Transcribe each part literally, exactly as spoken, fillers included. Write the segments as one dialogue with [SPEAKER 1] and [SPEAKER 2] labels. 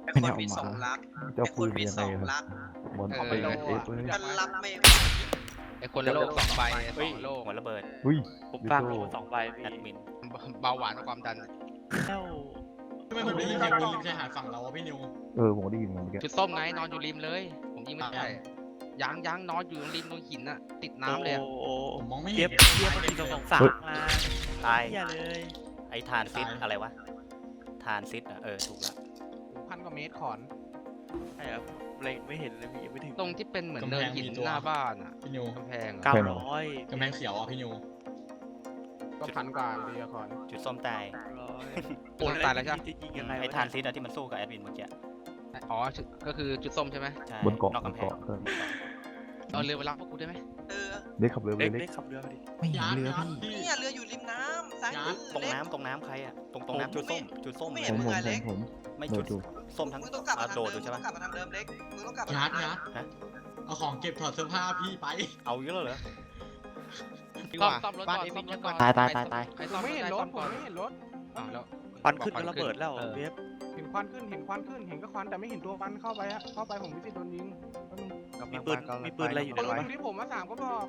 [SPEAKER 1] ไอ้
[SPEAKER 2] ไม่
[SPEAKER 1] ค
[SPEAKER 2] ได้
[SPEAKER 1] น
[SPEAKER 2] เอา
[SPEAKER 1] มี
[SPEAKER 2] มา
[SPEAKER 1] สองรัก
[SPEAKER 2] จะ
[SPEAKER 1] ไอ้ค
[SPEAKER 2] ปื
[SPEAKER 1] น
[SPEAKER 2] น
[SPEAKER 1] มี
[SPEAKER 2] ยัง
[SPEAKER 1] ส
[SPEAKER 2] ไง
[SPEAKER 1] อง
[SPEAKER 2] ครับ
[SPEAKER 1] รัก
[SPEAKER 2] บอล
[SPEAKER 3] เอ
[SPEAKER 2] เอา
[SPEAKER 3] อ
[SPEAKER 2] ไปเอฟเลย
[SPEAKER 1] กันรับไม่ไหว
[SPEAKER 3] ไอคนละโลกสองใบส
[SPEAKER 4] เฮ้
[SPEAKER 3] อย งโลก
[SPEAKER 4] หัวระเบิด
[SPEAKER 2] อุ้ย
[SPEAKER 5] ผมฟังโลสองใบ
[SPEAKER 4] แอ
[SPEAKER 5] พี่
[SPEAKER 4] ดมิน
[SPEAKER 3] เบาหวานกับความดัน
[SPEAKER 5] แล้ว
[SPEAKER 6] ทำไมผมได้ยินเสียงปืนริมชายหาดฝั่งเราวะพี่นิว
[SPEAKER 2] เออผมได้ยินเหมือนกัน
[SPEAKER 3] จุดส้มไงนอนอยู่ริมเลย ผมยิงไม่ได้ยังยังนอนอยู่ริมตรงหินน่ะติดน้ำเลยอะ
[SPEAKER 5] โอ้
[SPEAKER 6] ผมมองไม่
[SPEAKER 5] เที
[SPEAKER 6] เห็
[SPEAKER 5] ย
[SPEAKER 6] น
[SPEAKER 5] บเทียบมันมีสองสองสามมา
[SPEAKER 4] ตาย
[SPEAKER 5] เทียเลย
[SPEAKER 4] ไอ้ทานซิดอะไรวะทานซิดอ่ะเออถูกละ
[SPEAKER 7] พันกว่าเมตรขอน
[SPEAKER 5] ใช่ครับเล็งไม่เห็นเลยพี่ยังไม่ถึง
[SPEAKER 3] ตรงที่เป็นเหมือนเนินหินหน้าบ้านอ่ะ
[SPEAKER 6] พี่นิว
[SPEAKER 3] กำแพงอะ
[SPEAKER 5] เก้าร้อย
[SPEAKER 6] กำแพงเขียวอ่ะพี่นิว
[SPEAKER 7] ก็พันกว่าอยู่ดีอะขอน
[SPEAKER 4] จุดส้มตาย
[SPEAKER 5] ร้อย
[SPEAKER 3] โอ้ตายแล้วใช่ไหม
[SPEAKER 5] จะยิงยังไง
[SPEAKER 4] ไอ้ทานซิดอะที่มันสู้กับแอดมินเมื่อกี้
[SPEAKER 3] อ๋อจุดก็คือจุดส้มใช่ไหม
[SPEAKER 4] ใช่
[SPEAKER 2] บนเกาะ
[SPEAKER 4] นอก
[SPEAKER 2] บน
[SPEAKER 4] กำแพง
[SPEAKER 2] เกาะเออ
[SPEAKER 3] เอาเรือไปรับพวกกูได้ไหม
[SPEAKER 1] เออ
[SPEAKER 2] เด็กขับเรือไป
[SPEAKER 5] เล็ก
[SPEAKER 2] เล็
[SPEAKER 5] เล็
[SPEAKER 2] ก
[SPEAKER 5] กขับเรือมาดิ
[SPEAKER 2] ไม่เห็นเรือพี่
[SPEAKER 1] เนี่ยเรืออยู่ริมน้ำซ้ายมือ
[SPEAKER 4] ตรง
[SPEAKER 1] เล็ก
[SPEAKER 4] น้ำตรงน้ำใครอ่ะตรงตรงน้ำจุดส้มจุดส้ม
[SPEAKER 1] ไม่
[SPEAKER 4] เล
[SPEAKER 1] เห็
[SPEAKER 4] ย
[SPEAKER 2] ผมผม
[SPEAKER 1] นเล็ก
[SPEAKER 2] ผม
[SPEAKER 4] ไม่
[SPEAKER 2] โด
[SPEAKER 4] จุ
[SPEAKER 2] ด
[SPEAKER 4] ด
[SPEAKER 2] ดู
[SPEAKER 4] ส้มทั้ง
[SPEAKER 1] มึงต้องกลับมา
[SPEAKER 4] อ่ะ
[SPEAKER 1] ทาง
[SPEAKER 4] โด
[SPEAKER 1] เดิ
[SPEAKER 4] ด
[SPEAKER 1] ม
[SPEAKER 4] ดู
[SPEAKER 1] มึง
[SPEAKER 4] ใช่
[SPEAKER 1] ต้
[SPEAKER 4] ปะ
[SPEAKER 1] องกลับมาทางเดิมเล็กมึงต้องกลับมา
[SPEAKER 6] ยั
[SPEAKER 1] ทา
[SPEAKER 6] ด
[SPEAKER 1] งเดิ
[SPEAKER 6] ยั
[SPEAKER 1] ม
[SPEAKER 6] ดเอาของเก็บถอดเสื้อผ้าพี่ไป
[SPEAKER 4] เอาเยอะเหรอ
[SPEAKER 3] ซ่อมซ่อมรถก่อนซ่อมรถก่อน
[SPEAKER 2] ตายตายตายตาย
[SPEAKER 3] ใคร
[SPEAKER 7] ผ
[SPEAKER 3] ซ่อ
[SPEAKER 7] ม
[SPEAKER 3] ม
[SPEAKER 7] ไม่เห็นร
[SPEAKER 3] ซ่
[SPEAKER 7] ถ
[SPEAKER 3] อม
[SPEAKER 7] ผม
[SPEAKER 3] ก่อน
[SPEAKER 7] ไม่เห็นรถ
[SPEAKER 3] อ้าวแล้ว
[SPEAKER 5] ควันขึ้นก็ระเบิดแล้วเวฟ
[SPEAKER 7] เห็นควันขึ้นเห็นควันขึ้นเห็นก็ควันแต่ไม่เห็นตัวควันเข้าไปอะเข้าไปผมไม่ติดโดนยิงแป๊บนึง
[SPEAKER 5] มีปืนมีปืนอะไรอยู่
[SPEAKER 7] ปื
[SPEAKER 5] ใน
[SPEAKER 7] น
[SPEAKER 5] รถ
[SPEAKER 7] อยู่ที่ผมมาสามก็บอก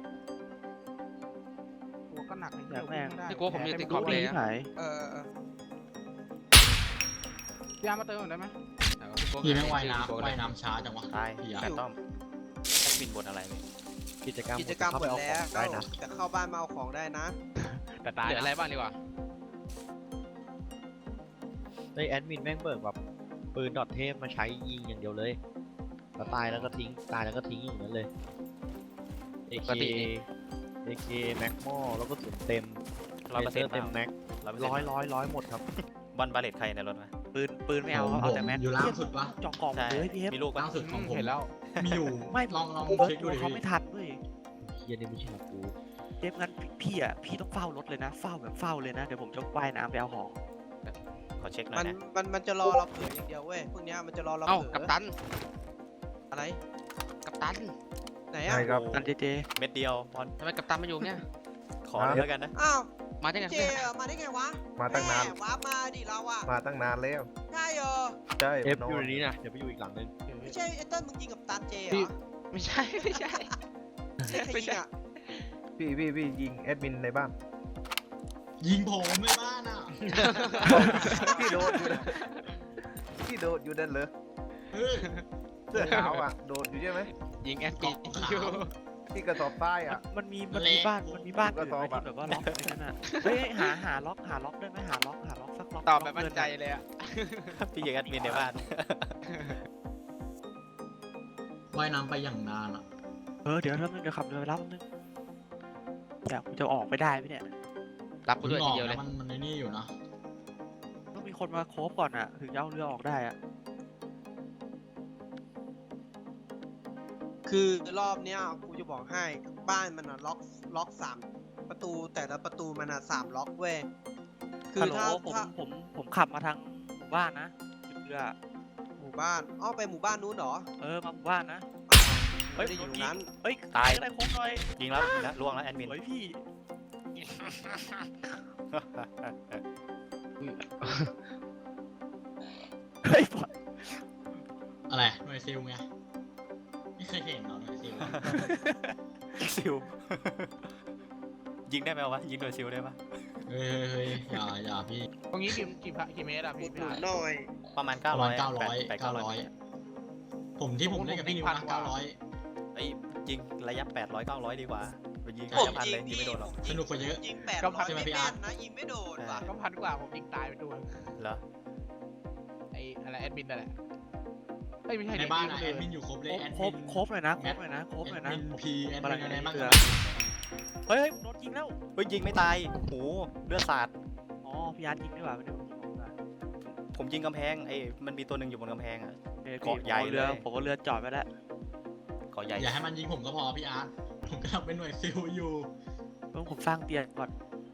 [SPEAKER 7] ตัวก็หนักใน
[SPEAKER 5] อยากแม่ง
[SPEAKER 3] ที่กลัวผมอยู่ติดขอบเลย
[SPEAKER 5] ที่
[SPEAKER 3] อะ
[SPEAKER 5] ไหน
[SPEAKER 1] เออเออ
[SPEAKER 7] ยามาเติมหน่อยได้ไหม
[SPEAKER 6] พี่แม่งว่ายน้ำว่ายน้ำช้าจังวะ
[SPEAKER 4] ตาย
[SPEAKER 6] พี่อะ
[SPEAKER 4] แฟนต้อมแอดมินบนอะไรเนี่ย
[SPEAKER 5] กิจกรรม
[SPEAKER 1] กิจกรรมหมดแล้ว
[SPEAKER 5] ได้นะ
[SPEAKER 1] แต่เข้าบ้านมาเอาของได้นะ
[SPEAKER 7] แต่ตาย
[SPEAKER 3] เหลืออะไรบ้างดีกว่า
[SPEAKER 8] ไอแอดมินแม่งเบิกแบบปืนดอทเทพมาใช้ยิงอย่างเดียวเลยแล้วตายแล้วก็ทิ้งตายแล้วก็ทิ้งอย่างนั้นเลย เอ
[SPEAKER 3] ป
[SPEAKER 8] เค
[SPEAKER 3] กตินี่
[SPEAKER 8] เอเคแม็กมอแล้วก็สุนเต็ม
[SPEAKER 4] ร้อยเปอร์เซ็นต์
[SPEAKER 8] เต็มแม็ก
[SPEAKER 4] ร้อย
[SPEAKER 8] ร้อยร้อยร้อยหมดครับ
[SPEAKER 4] บอลบาเลตใครในรถมา
[SPEAKER 5] ปืนปืนไม่เอา
[SPEAKER 6] ผม
[SPEAKER 5] เอาแต่แม็ก
[SPEAKER 6] อยู่ล่างสุดปะ
[SPEAKER 5] จอกกล่อง
[SPEAKER 4] ใช่
[SPEAKER 5] เลยพี่เอฟ
[SPEAKER 4] มีลูกปะ
[SPEAKER 6] ล่างสุดของผม
[SPEAKER 7] เห็นแล้ว
[SPEAKER 6] มีอยู่
[SPEAKER 5] ไม่
[SPEAKER 6] ลองลอง
[SPEAKER 5] เบิร์
[SPEAKER 6] เช็คดู
[SPEAKER 5] ด
[SPEAKER 6] ดิ
[SPEAKER 5] เขาไม่
[SPEAKER 6] พี่
[SPEAKER 5] ทันเว้ย
[SPEAKER 8] เฮียนี่ไม่ใช่ของกู
[SPEAKER 5] เจฟงั้นพี่อ่ะพี่ต้องเฝ้ารถเลยนะ เฝ้าแบบเฝ้าเลยนะเดี๋ยวผมจะว่ายน้ำไปเอาของ
[SPEAKER 4] ขอเช็คหน่
[SPEAKER 1] มั
[SPEAKER 4] อย
[SPEAKER 1] น
[SPEAKER 4] นะ
[SPEAKER 1] มันมันจะรอเราเผลออย่างเดียวเว้ยพวกเนี้ยมันจะรอเรา
[SPEAKER 3] เอ้า
[SPEAKER 1] เผลอ
[SPEAKER 3] กัปตัน
[SPEAKER 1] อะไร
[SPEAKER 3] กัปตัน
[SPEAKER 1] ไหนอ่ะ
[SPEAKER 2] ครับ
[SPEAKER 5] นั่นเจเจ
[SPEAKER 4] เม็ดเดียวบอล
[SPEAKER 3] ทำไมกัปตันมาอยู่เนี่ย
[SPEAKER 4] ขอเลยแล้วกันนะ
[SPEAKER 1] อ้าว
[SPEAKER 3] มาได้ไง
[SPEAKER 1] เจอะมาได้ไงวะ
[SPEAKER 2] มาตั้งนาน
[SPEAKER 1] แม่วาร์ปมาดิเราอ่ะ
[SPEAKER 2] มาตั้งนานแล้ว
[SPEAKER 1] ใช่เหรอ
[SPEAKER 2] ใช่
[SPEAKER 8] เอฟ
[SPEAKER 2] น
[SPEAKER 8] อยู่ในนี้นะเดี๋ยวไปอยู่อีกหลังนึง
[SPEAKER 1] ไม่ใช่ไอ้เต้นมึงยิงกับตันเจเหร
[SPEAKER 7] พี่
[SPEAKER 1] อ
[SPEAKER 3] ไม่ใช่ไม่ใช่
[SPEAKER 1] ใช่ใครยิงอ่ะ
[SPEAKER 2] พี่พี่พี่ยิงแอดมินในบ้าน
[SPEAKER 6] ยิงผมในบ้านอ่ะ
[SPEAKER 2] พี่โดดอยู่นะพี่โดดอยู่นั่นเลย
[SPEAKER 6] เฮ้ย
[SPEAKER 2] เสื้อขาวอ่ะโดดอยู่ใช่ไหม
[SPEAKER 3] ยิงแอนตี้
[SPEAKER 6] เกาะขาว
[SPEAKER 3] อยู่
[SPEAKER 2] ที่กระสอบใต้อ่ะ
[SPEAKER 5] มันมีมัน
[SPEAKER 6] เละ
[SPEAKER 5] มีบ้านมันมีบ้านอื่น
[SPEAKER 2] ก็
[SPEAKER 5] ไหม
[SPEAKER 2] ตอบอะ
[SPEAKER 5] ที่แบบว่าล็อกไอ้นั่นอ่ะเฮ้ยหาหาล็อกหาล็อกได้ไหมหาล็อกหาล็อกสักล็อก
[SPEAKER 3] ตอบแบบ
[SPEAKER 5] ล็
[SPEAKER 3] มั่
[SPEAKER 5] ก
[SPEAKER 3] นใจเลยอะ
[SPEAKER 4] พี่ยิงแอดมินในบ้าน
[SPEAKER 6] ว่ายน้ำไปอย่างนานอ่ะ
[SPEAKER 5] เออเดี๋ยวแป๊บนึงเดี๋ยวขับเรือไปรับแป๊บนึงอยากกูจะออกไปได้ไหมเนี่ย
[SPEAKER 3] รับกูด้วย
[SPEAKER 6] อ
[SPEAKER 3] ที
[SPEAKER 6] อก
[SPEAKER 3] เดียวเลย
[SPEAKER 6] นะมันมันในนี่อยู่นะ
[SPEAKER 5] ต้องมีคนมาโคฟก่อนอ่ะถึงจะเอาเรือออกได้อ่ะ
[SPEAKER 1] คือรอบเนี้ยกูจะบอกให้บ้านมันอ่ะล็อกล็อกสามประตูแต่ละประตูมันอ่ะสามล็อกเว้ยคื
[SPEAKER 5] ฮั
[SPEAKER 1] อ
[SPEAKER 5] ลโหล
[SPEAKER 1] ถ้า
[SPEAKER 5] ผม
[SPEAKER 1] ถ้า
[SPEAKER 5] ผมผมขับมาทางหมู่บ้านนะจุดเรือ
[SPEAKER 1] หมู่บ้านอ้อไปหมู่บ้านนู้นเหรอ
[SPEAKER 5] เออมาหมู่บ้านนะ เฮ้
[SPEAKER 1] ไม่
[SPEAKER 5] ย
[SPEAKER 1] ได้อยู่
[SPEAKER 5] โดนยิง
[SPEAKER 1] นั้น
[SPEAKER 5] เฮ้ย
[SPEAKER 4] ตาย
[SPEAKER 5] ได้โค้งหน่อย
[SPEAKER 4] ยิงแล้วยิงแล้วล่วงแล้วแอดมิน
[SPEAKER 5] สวยพี่เฮ้ยปล่อย
[SPEAKER 6] อะไรหน่วยซิลไงไม่เคยเห็นเหรอหน่วยซิล
[SPEAKER 4] ซิว ยิงได้ไหมวะยิงโดยซิวได้ปะ
[SPEAKER 6] เฮ้ยเฮ้ยเฮ้ยอย่าอย่าพี่
[SPEAKER 7] ตรงนี้กี่กี่พะกี่เมตรอะ
[SPEAKER 1] หมุ
[SPEAKER 7] พี่
[SPEAKER 1] นห
[SPEAKER 7] พี่
[SPEAKER 1] นุน
[SPEAKER 7] อาร์ต
[SPEAKER 1] หน่อย
[SPEAKER 4] ประมาณ
[SPEAKER 6] ป
[SPEAKER 4] เก้า
[SPEAKER 6] ระ
[SPEAKER 4] ร้
[SPEAKER 6] มา
[SPEAKER 4] อ
[SPEAKER 6] ณ
[SPEAKER 4] ย
[SPEAKER 6] เก้าร้อย
[SPEAKER 4] แปด
[SPEAKER 6] เก้า
[SPEAKER 4] เก้าร้
[SPEAKER 6] ร้
[SPEAKER 4] อ
[SPEAKER 6] อย ยผมที่ผมเล่นกับพี่นิวนะเก้าร้อย
[SPEAKER 4] ไอ้ยิงระยะแปดร้อยเก้าร้อยดีกว่าไปยิง
[SPEAKER 1] ผม
[SPEAKER 4] ระยะพัน
[SPEAKER 1] ยิ
[SPEAKER 4] เลย
[SPEAKER 1] ง
[SPEAKER 4] ยิง
[SPEAKER 1] พี่
[SPEAKER 4] ไม่โดนหรอก
[SPEAKER 1] ผม
[SPEAKER 6] สนุกกว่าเยอะ
[SPEAKER 1] ยิงแปดร้อยไม่แม่นนะยิงไม่โดนว่ะ
[SPEAKER 7] ก็พันกว่าผมยิงตายไปตัว
[SPEAKER 4] เหรอ
[SPEAKER 7] ไอ้อะไรแอดมินนั่นแหละเอ้ยไม่ใช่
[SPEAKER 6] ใน
[SPEAKER 7] ดิ
[SPEAKER 6] บ้าน
[SPEAKER 7] ยิ
[SPEAKER 6] อะ
[SPEAKER 7] ง
[SPEAKER 6] แอ
[SPEAKER 7] เลย
[SPEAKER 6] ดมินอยู่ครบเลยแอด
[SPEAKER 5] โค
[SPEAKER 6] มิ
[SPEAKER 5] ฟ
[SPEAKER 6] น
[SPEAKER 5] โคฟหน่อยนะโคฟหน่อยนะโคฟหน่อย
[SPEAKER 6] แอ
[SPEAKER 5] นะ
[SPEAKER 6] ดมินพีแอด
[SPEAKER 5] มา
[SPEAKER 6] มินอะไรบ้าง
[SPEAKER 5] เรือ
[SPEAKER 6] กัน
[SPEAKER 5] เฮ้ยเฮ้ยโดนยิงแล้ว
[SPEAKER 4] เฮ้ยยิงไม่ตายโหเลือดสาด
[SPEAKER 5] อ๋อพี่อาร์ตยิงไม่หว่าไม่ได้ผมยิงผมนะ
[SPEAKER 4] ผมยิงกำแพงไอ้มันมีตัวหนึ่งอยู่บนกำแพงอ่ะ
[SPEAKER 5] เอ้ย
[SPEAKER 4] เกาะใหญ่
[SPEAKER 5] ผมอเรือ
[SPEAKER 4] เลย
[SPEAKER 5] ผมเอาเรือจอดไว้แล้ว
[SPEAKER 4] เกาะใหญ่
[SPEAKER 6] อย่าให้มันยิงผมก็พอพี่อาร์ตผมกำลังเป็นหน่วยซิลอยู่
[SPEAKER 5] ต้องผมสร้างเตียงก่อน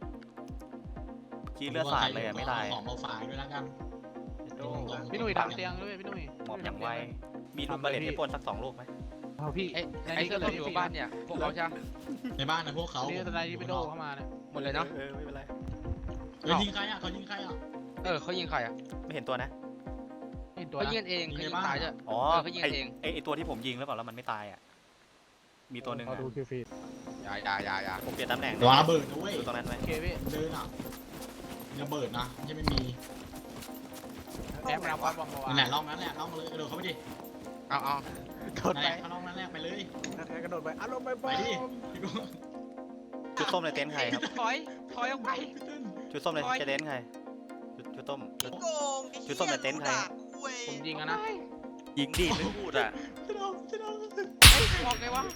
[SPEAKER 4] ขี้เลือดสาดเลยอ่ะไม่ตาย
[SPEAKER 6] ของมาฝากด้วยแล้วกัน
[SPEAKER 7] พี่หนุ่ยทำเตียงด้วยพี่หนุ่ย
[SPEAKER 4] หมอบอย่างไวมีลูกบาเลตให้ปนสักสองลูกไหม
[SPEAKER 7] เอาพี่
[SPEAKER 3] ไอ้ไอ้เสื้อส้มอยู่บ้านเนี่ยพวกเขาใช่ไหม
[SPEAKER 6] ในบ้านนะพวกเขา
[SPEAKER 7] นี่ตอนไหนที่ไปโดเข้ามาเนี่ย
[SPEAKER 3] หมดเลยเนาะ
[SPEAKER 4] เออไม่เป็นไร
[SPEAKER 6] เฮ้ยยิงใครอ่ะเขายิงใครอ่ะ
[SPEAKER 3] เออเขายิงใครอะ
[SPEAKER 4] ไม่เห็นตัวนะ
[SPEAKER 7] เห็น
[SPEAKER 6] ตัว
[SPEAKER 3] เขา
[SPEAKER 6] นะ
[SPEAKER 3] ยิงกันเองเขายิงตายด้วย
[SPEAKER 4] อ๋อ
[SPEAKER 3] เออเขายิง
[SPEAKER 4] ไอ
[SPEAKER 3] เอง
[SPEAKER 4] ไอไอตัวที่ผมยิงหรือเปล่าแล้วมันไม่ตายอ่ะ มีตัวหนึ่ง
[SPEAKER 7] ขอ
[SPEAKER 4] อะ
[SPEAKER 7] ดูคิวฟีด
[SPEAKER 3] อย่าอย่าอย่าอย่า
[SPEAKER 4] ผมเปลี่ยนตำแหน่ง
[SPEAKER 6] ระวังระเบิดนะเว้ย
[SPEAKER 4] อยู่ตรงนั้นไหม
[SPEAKER 7] โอเคพี่
[SPEAKER 6] เดินอ่ะมีระเบิดนะยังไม่มี
[SPEAKER 7] แอปรับวัดวังมาวา
[SPEAKER 6] นั่นแหละล่องนั้นแหละล่องมาเลยกระโดดเข้าไปดิ
[SPEAKER 3] เอาเอา
[SPEAKER 7] กด
[SPEAKER 6] นั่น
[SPEAKER 7] ไป
[SPEAKER 6] แหละเข้าล่องนั้นแหละไปเลย
[SPEAKER 7] กระโดดไปอารมณ์ไป
[SPEAKER 6] ไป
[SPEAKER 7] บ้า
[SPEAKER 6] ดิพี่กู
[SPEAKER 4] ชุดส้มในเต็นท์ใครครับ
[SPEAKER 3] ถอยถอยออกไป
[SPEAKER 4] ชุดส้มใน
[SPEAKER 3] โอ๊ย
[SPEAKER 4] เต็นท์ใครชุดชุดส้มชุด
[SPEAKER 1] โกงไอ้
[SPEAKER 4] ชุดส้มในเต็นท์ใคร
[SPEAKER 1] เว้ย
[SPEAKER 7] ผมยิงอะนะ
[SPEAKER 5] ยิงดิไม่พูดอ่ะ
[SPEAKER 6] จะโดนจะโดน
[SPEAKER 3] เฮ้ยออกไงวะ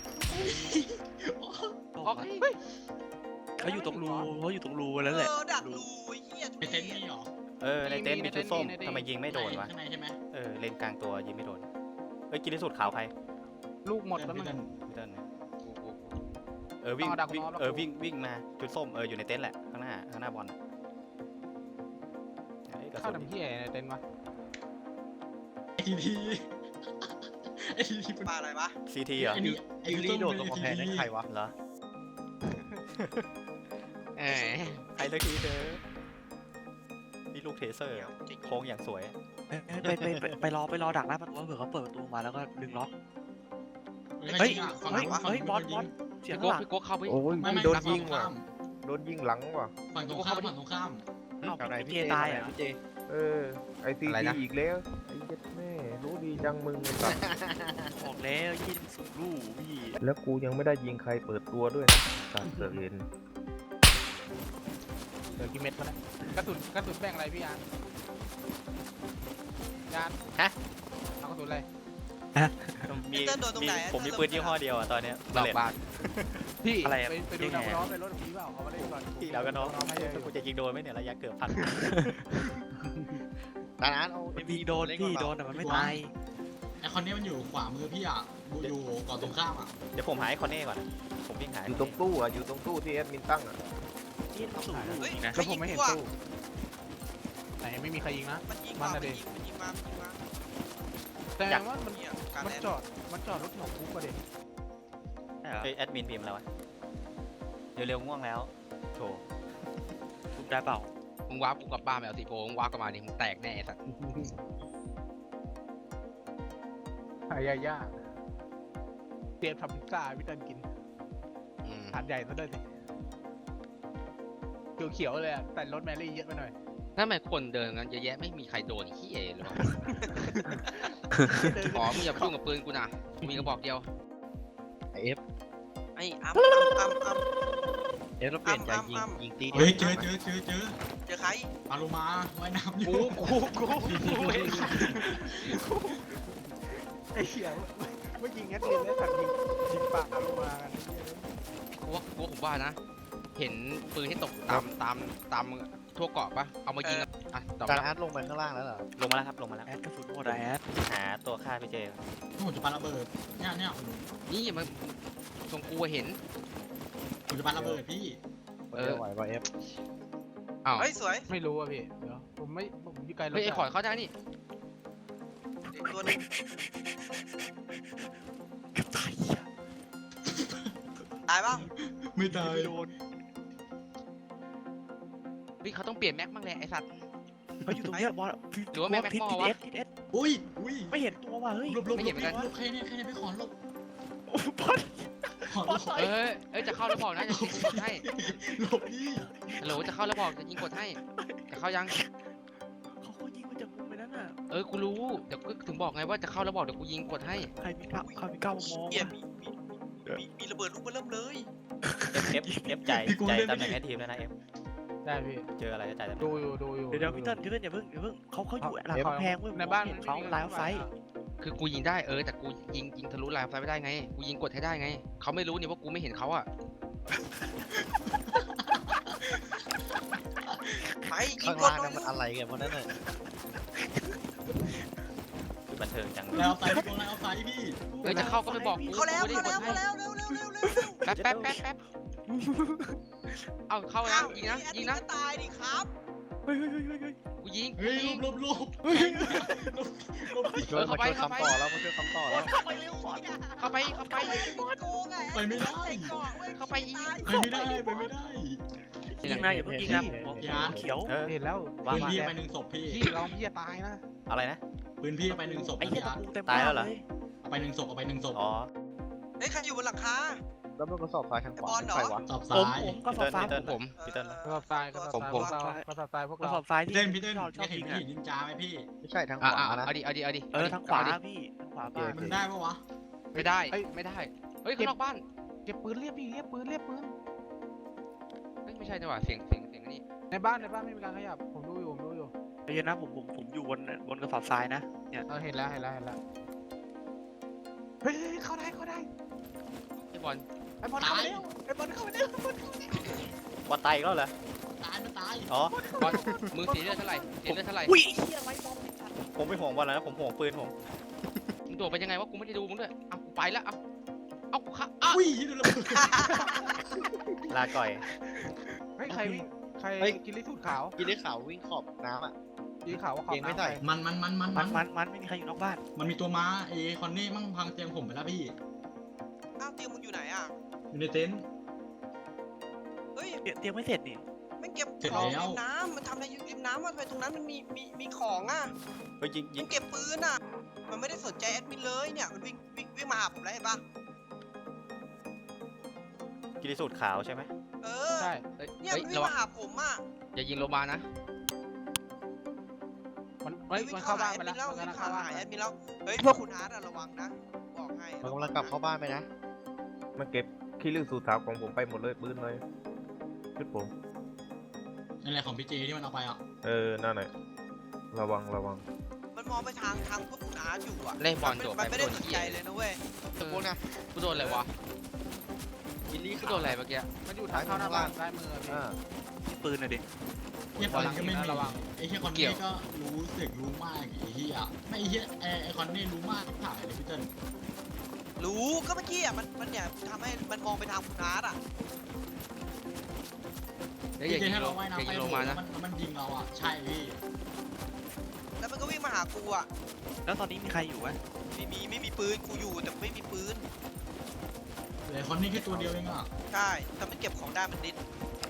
[SPEAKER 3] ออกเฮ้ย
[SPEAKER 5] เขาอยู่ตรงรูเขาอยู่ตรงรูแล้วแหละ
[SPEAKER 1] เออดักรูไอ้เหี้ย
[SPEAKER 6] ไปเต็นท์นี่เหรอ
[SPEAKER 4] เออในเต็นท์มีชุดส้มทำไมยิงไม่โดนวะ
[SPEAKER 6] ข้างในใช่ไหม
[SPEAKER 4] เออเลนกลางตัวยิงไม่โดนเอ้ยกินที่สุดขาวใคร
[SPEAKER 7] ลูกหมดแล้ว
[SPEAKER 6] พี่
[SPEAKER 7] มัน
[SPEAKER 6] เต้น
[SPEAKER 4] พี่เติ้ลนะเออวิ่ง
[SPEAKER 7] ต้องเอาดัก
[SPEAKER 4] วิ่ง
[SPEAKER 7] ล้อแล้ว
[SPEAKER 4] เออ
[SPEAKER 7] กู
[SPEAKER 4] วิ่งวิ่งมาชุดส้มเอออยู่ในเต็นท์แหละข้างหน้าข้างหน้าบอลน่ะเอ้ยกระ
[SPEAKER 7] เข้า
[SPEAKER 4] สุน
[SPEAKER 7] ทำที่ไหนในเต็นท์วะ
[SPEAKER 6] ไอทีทีไอทีที
[SPEAKER 1] ปลาอะไรวะ
[SPEAKER 4] ซีทีเหรอ
[SPEAKER 6] ไอนี่ไอ
[SPEAKER 8] ยูรีโดดตรงกำแพงนั่นใครวะ
[SPEAKER 4] เหรอ
[SPEAKER 3] เออ
[SPEAKER 4] ไอ้ตะกี้เธอนี่ลูกเทเซอร์โค้งอย่างสวย
[SPEAKER 5] เอ้ยไปไปไปไปรอไปรอดักหน้าประตูเผื่อเขาเปิดประตูมาแล้วก็ดึงล็อก
[SPEAKER 6] เฮ้
[SPEAKER 5] เฮ้
[SPEAKER 6] ย
[SPEAKER 5] ย
[SPEAKER 6] ฝั่ง
[SPEAKER 5] เฮ้ย
[SPEAKER 6] ฝั่ง
[SPEAKER 5] เฮ้ยบอล
[SPEAKER 6] ฝั่ง
[SPEAKER 5] บอลเสียง
[SPEAKER 3] พี่
[SPEAKER 5] ข้าง
[SPEAKER 3] โก้
[SPEAKER 5] หลัง
[SPEAKER 3] พี่โก้เข้าไป
[SPEAKER 9] โอ้ย
[SPEAKER 6] ไม่ไม่
[SPEAKER 9] โดน
[SPEAKER 6] ฝั่
[SPEAKER 9] ยิง
[SPEAKER 6] ตร
[SPEAKER 9] ว่ะ
[SPEAKER 6] ข้าม
[SPEAKER 9] โดนยิงหลังว่ะ
[SPEAKER 6] ฝั่งตรงข้ามฝั่งตรงข้าม
[SPEAKER 5] อ้าว
[SPEAKER 8] อะไร
[SPEAKER 5] พี่
[SPEAKER 8] พี่
[SPEAKER 5] เจ
[SPEAKER 8] เจ
[SPEAKER 5] ตายเหรอ
[SPEAKER 8] พี่เจ
[SPEAKER 9] เออ ไอซีทีอีกแล้วไอ้เจ็ดแม่รู้ดีจังมึงไอ้สัส
[SPEAKER 5] บอกแล้วยิงสุดลูกพี่
[SPEAKER 9] แล้วกูยังไม่ได้ยิงใครเปิดตัวด้วยนะการเสือกเห็น
[SPEAKER 7] เหลือกี่เม็ดวะเนี่ยกระสุนกระสุนแบ่งอะไรพี่ยานยาน
[SPEAKER 4] ฮะ
[SPEAKER 7] เอากระสุนอะไร
[SPEAKER 4] มี
[SPEAKER 1] เติ้ลโดนตรง
[SPEAKER 4] มี
[SPEAKER 1] ไหน
[SPEAKER 4] ผมมีปืนยี่ห้อเดียวอ่ะตอนเนี้ย
[SPEAKER 3] หลอก
[SPEAKER 4] เล็ต
[SPEAKER 3] บ้าน
[SPEAKER 7] พี่
[SPEAKER 5] อะไรอะ
[SPEAKER 7] ไปไปดู
[SPEAKER 5] ยังไง
[SPEAKER 7] ดาว
[SPEAKER 5] อะ
[SPEAKER 7] ร้อนไปรถผีเปล่าเอามาเล่นก่อน
[SPEAKER 4] ที่เราก็น้อง
[SPEAKER 7] น้องให้เยอะอยู่
[SPEAKER 4] กูจะยิงโดนไหมเนี่ยระยะเกือบพัน
[SPEAKER 8] ตานั้นเอา
[SPEAKER 5] ไอ้พี่โดนพี่โดนแต่มันไม่ตาย
[SPEAKER 6] ไอคอนเนี้ยมันอยู่ขวามือพี่อ่ะอยู่ก่อนตรงข้ามอ่ะ
[SPEAKER 4] เดี๋ยวผมหาไอ้คอนเน่ก่อนนะผมวิ่งหา
[SPEAKER 9] อยู่ตรงตู้อ่ะ อยู่ตรงตู้ที่แอดมินตั้งอ่ะ
[SPEAKER 5] ยิงสุดลูก
[SPEAKER 1] เฮ้ย
[SPEAKER 5] จริงนะ
[SPEAKER 7] แล้วผมไม่เห็น
[SPEAKER 1] ใคร
[SPEAKER 7] ตู้ไหนไม่มีใครยิงนะ
[SPEAKER 1] มันยิง
[SPEAKER 7] มั
[SPEAKER 1] มาน
[SPEAKER 7] น่ะ
[SPEAKER 1] มัน
[SPEAKER 7] ดิ
[SPEAKER 1] ยิงมันยิงมามันยิงมา
[SPEAKER 7] แต่ว่ามัน
[SPEAKER 1] เนี่ยการ
[SPEAKER 7] มัน
[SPEAKER 1] แลน
[SPEAKER 7] จอดมันจอดรถแถวคุกอะเด็ก
[SPEAKER 5] ใช่เหรอ
[SPEAKER 4] เอ้ยแอดมินพิมพ์แล้ววะเร็วๆง่วงแล้วโถ
[SPEAKER 5] ทุบได้เปล่า
[SPEAKER 3] มึงว้ากูกลับบ้านไปเอาสีโพมึงว้ากลับมาดิมึงแตกแน่ไอ้สัตว์
[SPEAKER 7] หายาย่าเตรียมทำพิซซ่าให้พี่เติ้ลกิน
[SPEAKER 3] อืม
[SPEAKER 7] ถาดใหญ่ซะด้วยสิเขียวๆเลยอะแต่รถแมรี่เยอะไปหน่อย
[SPEAKER 3] นั่นหมายคนเดินกันเยอะแยะไม่มีใครโดนขี้เอเลยวะอ๋อมึงอย่าพุ่งกับปืนกูนะกูมีกระบอกเดียว
[SPEAKER 8] ไอเอฟ
[SPEAKER 1] ไอ้อัมอัมอัมอัม
[SPEAKER 8] เอฟเราเปลี่ยนใจยิง
[SPEAKER 1] อ้ำอ้ำ
[SPEAKER 8] ยิงตีดี
[SPEAKER 6] เฮ้ย
[SPEAKER 8] ว
[SPEAKER 6] เจอเจอเจอเจอ
[SPEAKER 1] เจอใคร
[SPEAKER 6] ปลาโลมาว่ายน้ำอยู่
[SPEAKER 3] กูกูกูกูเอง
[SPEAKER 7] ไอ้เหี้ยเมื่อกี้งัดเรียนแล้วสัตว์ยิงยิงปากลงมากัน
[SPEAKER 3] กูว่ากูว่าผมว่านะ เห็นปืนที่ตกตามตามตามทั่วเกาะปะเอามายิงอะอ่ะตอบ
[SPEAKER 8] ตา
[SPEAKER 3] รับ
[SPEAKER 8] อาร์ตลงไปข้างล่างแล้วเหรอ
[SPEAKER 4] ลงมาแล้วครับลงมาแล้ว
[SPEAKER 5] แอดกระสุนหมดอะแอด
[SPEAKER 4] หาตัวฆ่าพี่เจ
[SPEAKER 6] ผมจะปาระเบิดเนี่ยเนี่ย
[SPEAKER 3] นี่มันตรงกูอะเห็น
[SPEAKER 6] ผมจะปาระเบิดพี่
[SPEAKER 3] เออ
[SPEAKER 8] ไหวป่ะเอฟ
[SPEAKER 3] อ้าว
[SPEAKER 1] เฮ้ยสวย
[SPEAKER 7] ไม่รู้อะพี่เดี๋ยวผมไม่ผมอยู่ไกลรถ
[SPEAKER 3] เฮ้ยไอ้ขอดเข้าได้นี่
[SPEAKER 1] อีกตัวหนึง
[SPEAKER 5] เกือบตาย
[SPEAKER 1] ตายเปล่า
[SPEAKER 6] ไม่ตาย
[SPEAKER 5] โดน
[SPEAKER 3] เฮ้ยเขาต้องเปลี่ยนแม็กบ้างแหละไอ้สัตว์
[SPEAKER 5] เขาอยู่ตรงเนี้ยบอล
[SPEAKER 3] หรือว่าแม่ง
[SPEAKER 5] ทิศ
[SPEAKER 3] แม็ก
[SPEAKER 5] ทิศ
[SPEAKER 3] มอวะ
[SPEAKER 5] เอสทิศเอส
[SPEAKER 6] อุ้ยอุ้ย
[SPEAKER 5] ไม่เห็นตัวว่ะเฮ้ย
[SPEAKER 6] หลบหลบ
[SPEAKER 3] ไม่
[SPEAKER 6] หล
[SPEAKER 3] เห็น
[SPEAKER 6] บ
[SPEAKER 3] เหมือนกัน
[SPEAKER 6] หลบใครเนี่ยใครเนี่ยไปขอหลบ
[SPEAKER 5] โอ้บอล
[SPEAKER 6] ขอหลบ
[SPEAKER 3] เอ้ยเอ้ยจะเข้าแล้วบอกนะจะยิงกดให้
[SPEAKER 6] หลบพี่
[SPEAKER 3] ฮัลโหลจะเข้าแล้วบอกจะยิงกดให้จะเข้ายัง
[SPEAKER 5] เขาเขายิงมาจากมุมไปนั้นน่ะ
[SPEAKER 3] เออกูรู้เดี๋ยวกูถึงบอกไงว่าจะเข้าแล้วบอกเดี๋ยวกูยิงกดให้
[SPEAKER 5] ใครมีกล้าใครมีกล้ามามอง
[SPEAKER 1] เหี้ย
[SPEAKER 5] อะ
[SPEAKER 1] มีมีมีมีระเบิดลูกมาเริ่มเลย
[SPEAKER 4] เอฟเอฟเอฟใจใจตำแหน่งให้ทีมแล้วนะเอฟ
[SPEAKER 7] ได้พี่
[SPEAKER 4] เจออะไรก็ใจตำแหน่ง
[SPEAKER 7] ดูอยู่ดูอยู่
[SPEAKER 5] เดี๋ยวเดี๋ยวพี่เติ้ลพี่เติ้ลอย่าเพิ่งอย่าเพิ่งเขาเขาอยู่หลัง
[SPEAKER 7] เดี๋ยว
[SPEAKER 5] กำแพงเว้ย
[SPEAKER 7] ในบ้าน
[SPEAKER 5] ผมเห็เขาไลน์ไฟ
[SPEAKER 3] คือกูยิงได้เออแต่กูยิงยิงทะลุลายไฟไม่ได้ไงกูยิงกดให้ได้ไงเขาไม่รู้นี่ว่ากูไม่เห็นเขาอะ
[SPEAKER 1] ไปยิ
[SPEAKER 8] ข้าง ง
[SPEAKER 1] กด
[SPEAKER 8] ล่าง
[SPEAKER 1] หน่
[SPEAKER 8] นั่
[SPEAKER 1] อน ย
[SPEAKER 8] มันอะไรกันวะนั่นน่ะ
[SPEAKER 4] คือบันเทิงจัง
[SPEAKER 6] แล้วเอาไฟพี่กงแล้วเอาไฟพี่
[SPEAKER 3] เฮ้ยจะเข้าก็ไม่บอกกู
[SPEAKER 1] เขาแล้ว
[SPEAKER 3] กู
[SPEAKER 1] เขา
[SPEAKER 3] ไม่
[SPEAKER 1] แล้ว
[SPEAKER 3] ได้ก
[SPEAKER 1] เขา
[SPEAKER 3] ดให้
[SPEAKER 1] แล้วเร็วเร็วเร็วเร็วเร็ว
[SPEAKER 3] แป๊บแป๊บแป๊บแป๊บเอาเข้าแล้วยิงนะยิงนะ
[SPEAKER 1] ตายดิครับ
[SPEAKER 5] เฮ้ยเฮ้ยเฮ้ยเฮ้ยเฮ้ย
[SPEAKER 3] กูยิงกู
[SPEAKER 6] เฮ้ย
[SPEAKER 3] ยิง
[SPEAKER 6] หลบหลบหลบหลบพี่
[SPEAKER 8] ช่วย
[SPEAKER 3] เข้า
[SPEAKER 8] มา
[SPEAKER 3] ไป
[SPEAKER 8] ช่วย
[SPEAKER 3] เข้าไป
[SPEAKER 8] คำต่อแล้วมาช่วยคำต่อแล้ว
[SPEAKER 1] ไปเร็ว
[SPEAKER 3] เข้าไปเข้าไป
[SPEAKER 1] โกงไง
[SPEAKER 6] ไปไม่ได้
[SPEAKER 3] เข้าไปยิง
[SPEAKER 6] ไปไม่ได้ไปไม่ได้
[SPEAKER 5] ยิงนะอย่าเพิ่งยิงนะผม
[SPEAKER 6] อย่า
[SPEAKER 5] เขียว
[SPEAKER 4] เออ
[SPEAKER 7] เห็นแล้ว
[SPEAKER 4] ว่า
[SPEAKER 6] พื้น
[SPEAKER 4] มา
[SPEAKER 6] ที่ไปหนึ่งศพพี่
[SPEAKER 7] พี่เราพี่จะตายนะ
[SPEAKER 4] อะไรนะ
[SPEAKER 6] พปืนพี่เอาไปหนึ่งศพ
[SPEAKER 5] ไอ้
[SPEAKER 6] นะ
[SPEAKER 5] เหี้ย
[SPEAKER 6] พี่
[SPEAKER 5] ตะ
[SPEAKER 6] อาร์ต
[SPEAKER 5] ปูเต็มบ้านเลย
[SPEAKER 6] เอาไปหนึ่งศพเอาไปหนึ่งศพ
[SPEAKER 4] อ๋อ
[SPEAKER 1] เฮ้ยใครอยู่บนหลังคา
[SPEAKER 8] แล้วมันก็สอบซ้ายทางขวา
[SPEAKER 1] ไอ้บอลเหรอ
[SPEAKER 8] ใครวะ
[SPEAKER 6] ศพ
[SPEAKER 5] ผ
[SPEAKER 6] ซ้าม ย
[SPEAKER 5] ผมก็สอบฟ้า
[SPEAKER 4] พีเติ้ล
[SPEAKER 3] ผม
[SPEAKER 4] พีเติ้ล
[SPEAKER 1] เอ
[SPEAKER 7] ก็
[SPEAKER 1] อ
[SPEAKER 7] สอบทรายก็สอบ
[SPEAKER 3] ผม
[SPEAKER 7] ทราย
[SPEAKER 3] ผม
[SPEAKER 7] พวกเราก็สอบทรายพวก
[SPEAKER 5] ก็
[SPEAKER 7] เรา
[SPEAKER 5] สอบซ้าย
[SPEAKER 6] พี่
[SPEAKER 5] ที่
[SPEAKER 6] เต้นพี่เต้น
[SPEAKER 5] ชอบช
[SPEAKER 6] อ
[SPEAKER 5] อบ
[SPEAKER 6] ยากเห็น
[SPEAKER 5] ยิง
[SPEAKER 6] พี่
[SPEAKER 5] อะ
[SPEAKER 6] นินจาไหมพี่
[SPEAKER 8] ไม่ใช่ทางข
[SPEAKER 3] อ่ะ
[SPEAKER 8] วา
[SPEAKER 3] อ่ะ
[SPEAKER 8] นะ
[SPEAKER 3] เอาดิเอาดิเอาดิ
[SPEAKER 5] เออทางขวา
[SPEAKER 3] เอดิ
[SPEAKER 5] พี่ทางขวาบ้าน
[SPEAKER 6] มันได้ปะวะ
[SPEAKER 3] ไม่ได้ไม่ได้เฮ้ยข้างนอกบ้าน
[SPEAKER 7] เก็บปืนเรียบพี่เรียบปืนเรียบปืน
[SPEAKER 3] เฮ้ยไม่ใช่จังหวะเสียงเสียงเสียงนี่
[SPEAKER 7] ในบ้านในบ้านไม่มีการขยับผมดูอยู่ผมดูอยู่
[SPEAKER 5] เดี๋ยวนะผมผมผมอยู่บนบนกระสอบทรายนะเนี่ย
[SPEAKER 7] เออเห็นแล้วเห็นแล้วเห็นแล้วเฮ้ยเข้าได้เข้าได้
[SPEAKER 3] ไอ้บอล
[SPEAKER 7] ไอ้บอลเข้ามาเร็วไอ้บอลเข้ามาเร็ว
[SPEAKER 4] บอลตายอีกแล้วเหรอ
[SPEAKER 6] ตายมันตาย
[SPEAKER 4] อ๋อ
[SPEAKER 3] บอลมึงเสียเลือดเท่าไหร่เสียเลือดเท่าไหร่
[SPEAKER 5] อุ้ยไอ้เหี้ยไรบอมไอ้สัตว์
[SPEAKER 4] ผมไม่ห่วงบอลแล้วนะผมห่วงปืนผม
[SPEAKER 3] มึงโดดไปยังไงวะกูไม่ได้ดูมึงด้วยเอากูไปแล้วเอาเอากูค่ะอ่ะ
[SPEAKER 6] อุ้ยดูระเบิด
[SPEAKER 4] ลาก่อย
[SPEAKER 7] เฮ้ยใครวิ่งใครกินลิสูตรขาว
[SPEAKER 8] กินได้ข่าววิ่งขอบน้ำอ่ะ
[SPEAKER 7] กินขาวว่าขอบ
[SPEAKER 8] เกงไม่
[SPEAKER 7] น้ำ
[SPEAKER 8] ใส่
[SPEAKER 7] ใคร
[SPEAKER 6] มันมันมันมัน
[SPEAKER 5] มั
[SPEAKER 6] มัน น
[SPEAKER 5] มันมันไม่มีใครอยู่นอกบ้าน
[SPEAKER 6] มันมีตัวม้าเอคอนนี่มั่งพังเตียงผมไปแล้วพี่
[SPEAKER 1] อ้าวเตียงมึงอยู่ไหนอ่ะ
[SPEAKER 6] อยู่ในเต็นท์
[SPEAKER 1] เฮ้ย
[SPEAKER 5] เตรียมเตรียมไม่เสร็จนี่
[SPEAKER 1] มันเก็บ
[SPEAKER 6] เสร็จ
[SPEAKER 1] ของ
[SPEAKER 6] แล้ว
[SPEAKER 1] ริมน้ำมันทำอะไรอยู่ริมน้ำมันไปตรงนั้นมันมีมีมีของอ่ะ
[SPEAKER 4] เฮ้ยยิงยิ
[SPEAKER 1] มั
[SPEAKER 4] ง
[SPEAKER 1] นเก็บปืนอ่ะ มันไม่ได้สนใจแอดมินเลยเนี่ยมันวิ่งวิ่งวิ่งมาหาผมแล้วเห็นปะ
[SPEAKER 4] กิริสูตรขาวใช่ไหม
[SPEAKER 1] เออ
[SPEAKER 7] ใช่
[SPEAKER 3] เฮ้ย
[SPEAKER 1] เนี่ย
[SPEAKER 3] เฮ้ย
[SPEAKER 1] มันวิ่
[SPEAKER 3] ระ
[SPEAKER 1] ง
[SPEAKER 3] วัง
[SPEAKER 1] มาหาผมอ่ะ
[SPEAKER 3] อย่ายิงโลมานะ
[SPEAKER 7] มันเฮ้ย
[SPEAKER 1] วิ่ง
[SPEAKER 7] มัน
[SPEAKER 1] เข้า
[SPEAKER 7] เข้า
[SPEAKER 1] หา
[SPEAKER 7] บ้าน
[SPEAKER 1] แอด
[SPEAKER 7] ไป
[SPEAKER 1] มิ
[SPEAKER 7] แล้ว
[SPEAKER 1] นแล้ว
[SPEAKER 7] มัน
[SPEAKER 1] วิ่ง
[SPEAKER 7] กำลัง
[SPEAKER 1] เข้า
[SPEAKER 7] เข้าบ้าน
[SPEAKER 1] หาแอ
[SPEAKER 7] ไป
[SPEAKER 1] ดมินแล้วเฮ้ยพวกคุณอาร์ตอะระวังนะบอกให้
[SPEAKER 8] มันกำลังกลับเข้าบ้านไปนะ
[SPEAKER 9] มันเก็บขี้ลือสูตรถาวของผมไปหมดเลยปืนเลยชุดผม
[SPEAKER 6] นั่นแหละของพี่เจที่มันเอาไปอ่ะ
[SPEAKER 9] เออนั่นแหละระวังระวัง
[SPEAKER 1] มันมองไปทางทางพวกคุณอาร์ตอยู่อ่ะ
[SPEAKER 3] เล่นบอล
[SPEAKER 1] มัน
[SPEAKER 3] โดด
[SPEAKER 1] มัน
[SPEAKER 3] ไป
[SPEAKER 1] ไม่ได้สนใจเลยนะเว้ย
[SPEAKER 3] ตะโกนนะกูโดนอะไรวะ
[SPEAKER 8] กินลี่
[SPEAKER 3] กู
[SPEAKER 8] ขาว
[SPEAKER 3] โดนอะไรเมื่อกี้
[SPEAKER 7] มันอยู่ทางเข้าหน้าบ้านซ้ายมือพี่
[SPEAKER 9] อ่า
[SPEAKER 5] ที่ปืนน่ะดิ
[SPEAKER 6] เฮียปืนก็ไม่มี
[SPEAKER 7] ระวัง
[SPEAKER 6] ไอ้เฮียคอนนี่ก็รู้สึกรู้มากไอ้เฮียไม่ไอ้เฮียไอ้ไอ้คอนนี่รู้มากถ่ายเลยพี่เติ้ล
[SPEAKER 1] รู้ก็เมื่อกี้อ่ะมันมันเนี่ยทำให้มันมองไปทางคุณอาร์ตอ่ะ
[SPEAKER 3] เดี๋ยวอย่า
[SPEAKER 6] พี่เจ
[SPEAKER 3] ยิง
[SPEAKER 6] ให้
[SPEAKER 3] โล
[SPEAKER 6] เราว่าย
[SPEAKER 3] อย่า
[SPEAKER 6] น้ำไป
[SPEAKER 3] ยิงโล
[SPEAKER 6] โห
[SPEAKER 3] มา
[SPEAKER 6] แล้
[SPEAKER 3] นะ
[SPEAKER 6] วมันมันยิงเราอ่ะใช่พี่
[SPEAKER 1] แล้วมันก็วิ่งมาหากูอ่ะ
[SPEAKER 5] แล้วตอนนี้มีใครอยู่วะ
[SPEAKER 1] ไม่มีไม่มีปืนกูอยู่แต่ไม่มีปืน
[SPEAKER 6] เหลือคอนนี่แค่ตัวเดียวเองอ่ะ
[SPEAKER 1] ใช่แต่มันเก็บของได้มันดิด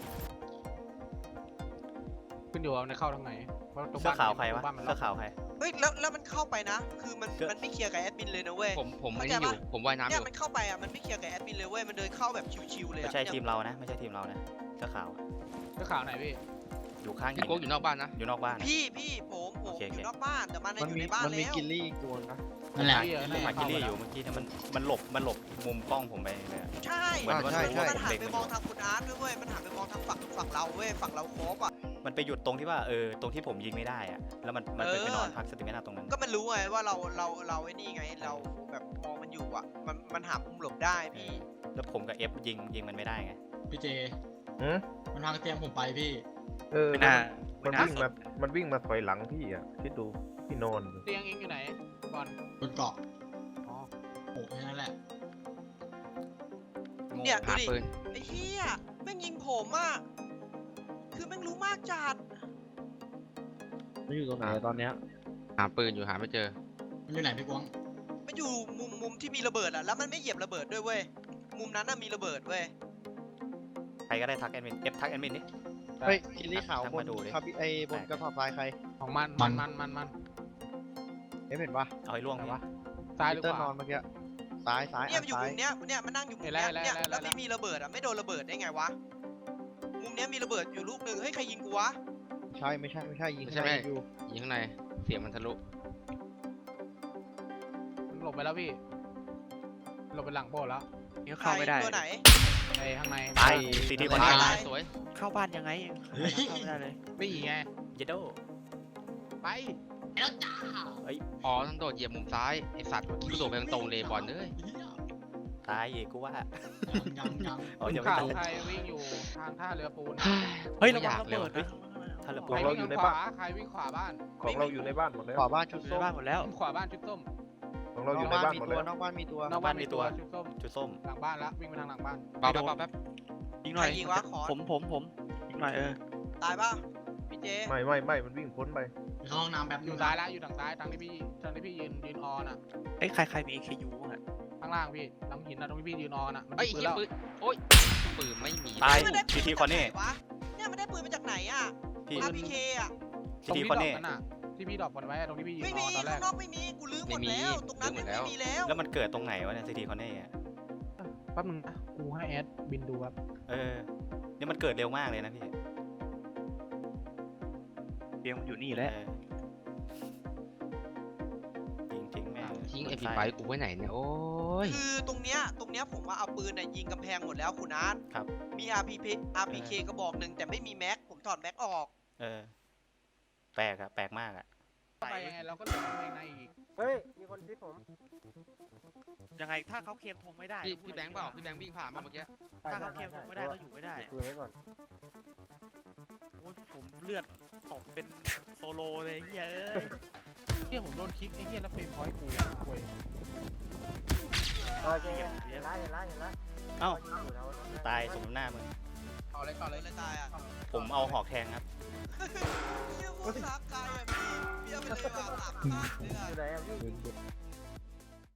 [SPEAKER 7] ขึ้นอยู่ว่าในเข้าทางไหนเพราะตรง
[SPEAKER 4] เสื้
[SPEAKER 7] บ้า
[SPEAKER 4] อน ขาวใครวะ
[SPEAKER 7] บ้านมัน
[SPEAKER 4] เสื้อขาวใคร
[SPEAKER 1] เฮ้ยแล้วแล้วมันเข้าไปนะ คือมัน
[SPEAKER 4] เสื้อ
[SPEAKER 1] มันไม่เคลียร์กับแอดมินเลยนะเว้ย
[SPEAKER 3] ผมผม
[SPEAKER 1] เข้า
[SPEAKER 3] ไม่
[SPEAKER 1] ใจ
[SPEAKER 3] ได้อยู่
[SPEAKER 1] ปะ
[SPEAKER 3] ผมว่ายน้ำอ
[SPEAKER 1] เนี่ย
[SPEAKER 3] ยู่
[SPEAKER 1] มันเข้าไปอ่ะมันไม่เคลียร์กับแอดมินเลยเว้ยมันเดินเข้าแบบชิวๆเลย
[SPEAKER 4] ไม่
[SPEAKER 1] อ่ะ
[SPEAKER 4] ใช่
[SPEAKER 1] เนี่ย
[SPEAKER 4] ทีมเรานะ ไม่ใช่ทีมเรานะ เสื้อขาว
[SPEAKER 7] เสื้อขาวไหนพี่
[SPEAKER 4] อยู่ข้างหิ
[SPEAKER 3] พี่
[SPEAKER 4] น
[SPEAKER 3] โก้อยู่นอกบ้านนะ
[SPEAKER 4] อยู่นอกบ้าน
[SPEAKER 1] พี่พี่ผมผม
[SPEAKER 4] โอเค
[SPEAKER 1] อ
[SPEAKER 4] โอเค
[SPEAKER 1] ยู่นอกบ้านแต่มันน่ะ
[SPEAKER 8] มัน
[SPEAKER 1] อยู่
[SPEAKER 8] มี
[SPEAKER 1] ในบ้าน
[SPEAKER 8] มันมี
[SPEAKER 1] แล้ว
[SPEAKER 8] กินลี่อีกตัวนะ
[SPEAKER 6] นั่นแหละ
[SPEAKER 7] พี่เออ
[SPEAKER 6] นั่นแห
[SPEAKER 4] มา
[SPEAKER 6] ละ
[SPEAKER 4] กิลลี่อยู่เมื่อกี้เนี่ยมันมันหลบมันหลบมุมกล้องผมไปเลยอะ
[SPEAKER 1] ใช่
[SPEAKER 4] เหมือนว่า
[SPEAKER 8] ใช่ใช่
[SPEAKER 1] มันหัน
[SPEAKER 4] เด็ก
[SPEAKER 1] ไป
[SPEAKER 4] มัน
[SPEAKER 1] มองทางคุณอาร์ตด้วยเว้ยมันหันไปมองทางฝั่งฝั่งเราเว้ยฝั่งเราโคบอ่ะ
[SPEAKER 4] มันไปหยุดตรงที่ว่าเออตรงที่ผมยิงไม่ได้อะแล้วมันมันไป
[SPEAKER 1] เออ
[SPEAKER 4] ไปนอนพักสติมินาตรงนั้น
[SPEAKER 1] ก็มันรู้ไงว่าเราเราเราไอ้นี่ไงเราแบบมองมันอยู่อ่ะมันมันหามุมหลบได้พี่
[SPEAKER 4] แล้วผมกับเอฟยิงยิงมันไม่ได้ไง
[SPEAKER 6] พี่เจ
[SPEAKER 9] หืม
[SPEAKER 6] มันพังเตียงผมไปพี่
[SPEAKER 9] เออ
[SPEAKER 5] ไม่น่า
[SPEAKER 9] มัน
[SPEAKER 5] ไม่น่า
[SPEAKER 9] วิ่งมา มันวิ่งมาถอยหลังพี่อ่ะ คิดดู พี่นอนอยู่
[SPEAKER 7] เตียงเองอยู่ไหนบอล
[SPEAKER 6] บนเกาะ
[SPEAKER 7] อ๋อ
[SPEAKER 6] โอ้แค่นั้นแหละ
[SPEAKER 1] เนี่ยดู
[SPEAKER 3] หา
[SPEAKER 1] ดิ
[SPEAKER 3] ปืน
[SPEAKER 1] ไอ้เหี้ยแม่งยิงผมอ่ะคือแม่งรู้มากจัด
[SPEAKER 8] มันอยู่ตรงไหนอะตอนเนี้ย
[SPEAKER 3] หาปืนอยู่หาไม่เจอ
[SPEAKER 6] มันอยู่ไหนพี่กวาง
[SPEAKER 1] มันอยู่มุมมุมที่มีระเบิดอ่ะแล้วมันไม่เหยียบระเบิดด้วยเว้ยมุมนั้นน่ะมีระเบิดเว้ย
[SPEAKER 4] ใครก็ได้ทักแอดมินเอฟทักแอดมินดิ
[SPEAKER 8] เฮ้ยกินลี่ขาว
[SPEAKER 4] ทัก
[SPEAKER 8] บ
[SPEAKER 4] มาน ดูดิ
[SPEAKER 8] คาบิไอบนกระสอบทรายใคร
[SPEAKER 7] ของมันมันมันมันมัน
[SPEAKER 8] เอ๊ะเห็นปะ
[SPEAKER 4] เอาให้ล่วง
[SPEAKER 7] ไหน
[SPEAKER 4] พี่
[SPEAKER 7] วะซ้ายห
[SPEAKER 8] พี
[SPEAKER 7] รือ
[SPEAKER 8] เตอ
[SPEAKER 7] ข
[SPEAKER 8] ร์น
[SPEAKER 7] วา
[SPEAKER 8] อนเมื่อกี้ซ้ายซ้าย
[SPEAKER 1] เนี่ย
[SPEAKER 8] อั
[SPEAKER 1] มัน นอยู่
[SPEAKER 8] ซ้า
[SPEAKER 1] มุ
[SPEAKER 8] ย
[SPEAKER 1] มเนี้ยเนี่ยมันนั่งอยู่มุม
[SPEAKER 7] เห็น
[SPEAKER 1] เนี้ย
[SPEAKER 7] แล้ว
[SPEAKER 1] เนี่ย
[SPEAKER 7] เห็นแล้ว
[SPEAKER 1] แล้ว
[SPEAKER 7] เห็นแล้ว
[SPEAKER 1] พี่มีระเบิดอ่ะไม่โดนระเบิดได้ไงวะมุมเนี้ยมีระเบิดอยู่ลูกหนึ่งเฮ้ยใครยิงกูวะ
[SPEAKER 8] ใช่ไม่ใช่ไม่ใช่ยิง
[SPEAKER 3] ไม่ใช่
[SPEAKER 8] ข้างใน
[SPEAKER 3] ไม่
[SPEAKER 8] อยู่
[SPEAKER 3] ยิงข้างในเสียงมันทะลุ
[SPEAKER 7] มันหลบไปแล้วพี่หลบไปหลังโบสถ์แล้ว
[SPEAKER 5] นี่เข้าไม่ได้
[SPEAKER 1] ตัวไหน
[SPEAKER 7] ไอ้ข้างใน
[SPEAKER 4] ตายซีทีคน
[SPEAKER 3] ตา
[SPEAKER 4] นี้
[SPEAKER 3] ย
[SPEAKER 1] ตา
[SPEAKER 3] ตาย ยสวย
[SPEAKER 5] เข้าบ้านยังไงเข้าไม่ได้เลย
[SPEAKER 7] นี่ไง
[SPEAKER 4] เยโด
[SPEAKER 7] ไป
[SPEAKER 6] แล้วจ้า
[SPEAKER 3] อ๋อต้องโดดเหยียบมุมซ้ายไอสัตว์กูโดดไปตรงๆเลยบอลเอ้ย
[SPEAKER 4] ตายอีกกูว่า
[SPEAKER 6] ยังยังยัง
[SPEAKER 4] อ๋อ
[SPEAKER 7] คุ
[SPEAKER 4] ยัง
[SPEAKER 7] ณ
[SPEAKER 4] ไม่
[SPEAKER 7] ข่าว
[SPEAKER 4] ตาย
[SPEAKER 7] ใครวิ่งอยู่ทางท่าเรือปูน
[SPEAKER 5] เฮ้ย
[SPEAKER 3] ไม่
[SPEAKER 5] ระ
[SPEAKER 3] อ
[SPEAKER 5] วัง
[SPEAKER 3] ยาก
[SPEAKER 5] ระ
[SPEAKER 3] เลย
[SPEAKER 5] เบิด
[SPEAKER 3] ว่ะ
[SPEAKER 5] นะ
[SPEAKER 4] ถ้าระ
[SPEAKER 7] ใค
[SPEAKER 4] เบิ
[SPEAKER 7] ร
[SPEAKER 4] ด
[SPEAKER 7] วิ่งทางขวาใครวิ่งขวาบ้าน
[SPEAKER 9] ของเราอยู่ในบ้านหมดแล้ว
[SPEAKER 8] ขวาบ้านชุด
[SPEAKER 5] อยู่ใน
[SPEAKER 8] ส้ม
[SPEAKER 5] บ้านหมดแล้ว
[SPEAKER 7] ขวาบ้านชุดส้ม
[SPEAKER 9] ของเรา
[SPEAKER 8] น
[SPEAKER 9] อ
[SPEAKER 8] อก
[SPEAKER 9] ยู่ใน
[SPEAKER 8] บ้าน
[SPEAKER 9] บ้าน
[SPEAKER 8] มี
[SPEAKER 9] หมด
[SPEAKER 8] ตัว
[SPEAKER 9] แล้ว
[SPEAKER 8] นอกบ้านมีตัวน
[SPEAKER 7] อกบ้านมีตัวชุดส้ม
[SPEAKER 4] จุดส้ม
[SPEAKER 7] หลังบ้านละวิ่งไปทางหลังบ้าน
[SPEAKER 3] เบาแป๊บเบาแป๊บ
[SPEAKER 5] ยิงหน่อย
[SPEAKER 1] ใครยิงวะขอ
[SPEAKER 5] ผมผมผมยิงหน่อยเออ
[SPEAKER 1] ตายป่ะพี่เจ
[SPEAKER 9] ไม่ไม่ไม่มันวิ่งพ้นไป
[SPEAKER 6] เข้าห้องน้ำแบบ
[SPEAKER 7] อยู่ซ้ายละอยู่ทางซ้ายทางที่พี่ทางที่พี่ยืนยืนออนอ่ะ
[SPEAKER 5] เอ้ยใครใครมี เอ เค ยู บ้างอะ
[SPEAKER 7] ข้างล่างพี่หลังหินนะตรงที่พี่ยืนออนอ่ะมัน
[SPEAKER 3] เอ้ย
[SPEAKER 7] ปืน
[SPEAKER 3] เหี้ย
[SPEAKER 7] แล้ว
[SPEAKER 3] ปืนโอ้ยปืนไม่มี
[SPEAKER 4] ตาย
[SPEAKER 1] มันได้ปื
[SPEAKER 4] ซี
[SPEAKER 1] น
[SPEAKER 4] ที
[SPEAKER 1] มา
[SPEAKER 4] คอน
[SPEAKER 1] จากไห
[SPEAKER 4] นี่
[SPEAKER 1] นวะเนี่ยมันได้ปืนมาจากไหนอ่ะ
[SPEAKER 4] พี่
[SPEAKER 1] อาร์พีเคอ่ะ
[SPEAKER 4] ซีทีคอนนี่
[SPEAKER 7] ตรงที่ดอกนั่นน่ะที่พี่ดรอปกันไว้ตรงที่พี่ยืน
[SPEAKER 1] ไม่
[SPEAKER 7] ร
[SPEAKER 1] มี
[SPEAKER 7] อตอนแร
[SPEAKER 1] ข้าก งนอกไม่มีกูลื้อหมดแล้ว ตรงนั้นไม่มีแล้ว
[SPEAKER 4] แล้วมันเกิดตรงไหนวะเนี่ยซีทีคอนเน่อะ
[SPEAKER 7] แป๊บนึงนะกูให้แอดบินดูครับ
[SPEAKER 4] เออเนี่ยมันเกิดเร็วมากเลยนะพี่
[SPEAKER 5] เตียงมันอยู่นี่แหละ
[SPEAKER 4] เออจริงจริงๆแม่ง
[SPEAKER 3] ทิ้งไอพีไฟกูไว้ไหนเนี่ยโอ้ย
[SPEAKER 1] คือตรงเนี้ยตรงเนี้ยผมว่าเอาปืนน่ะยิงกำแพงหมดแล้วคุณอาร์ต
[SPEAKER 4] ครับ
[SPEAKER 1] มี อาร์ พี พี อาร์ พี เค กระบอกหนึ่งแต่ไม่มีแม็กผมถอดแม็กออก
[SPEAKER 4] เออ แปลกอะแปลกมากอะ
[SPEAKER 7] ไปยังไงเราก็เหลือกำแพงในอีก
[SPEAKER 9] เฮ้ย มีคนคิดผม
[SPEAKER 5] ยังไงถ้าเขาเคลมธงไม่ได้
[SPEAKER 3] พี่พี่แบงค์เปล่าพี่แบงค์วิ่งผ่านมาเมื่อกี้
[SPEAKER 5] ถ้าเขาเคลมธงไม่ได้ก็อยู่ไม่ได้
[SPEAKER 9] คุยไว้ก่อน
[SPEAKER 5] โอ้ยผมเลือดตกเป็นโซโลเลยเฮียเอ้ย
[SPEAKER 7] เฮียผมโดนคลิกไอ้เฮียแล้วเฟรมพอยต์กูเว้ย
[SPEAKER 9] โอเคเห็นละเห็นละเห็นละ
[SPEAKER 4] เอ้า
[SPEAKER 9] อยู่แถวนั้นนะ
[SPEAKER 4] ตายสมน้ำหน้ามึง
[SPEAKER 1] ต่อเลยต่อเลยเลยตายอ่ะ
[SPEAKER 4] ผมเอาหอกแทงครับ
[SPEAKER 1] เฮียโคตรซักกายอ่ะพี่พี่เอาไปเลยว่ะสามภาคเนี่ย
[SPEAKER 9] อยู่ไหนอะพี่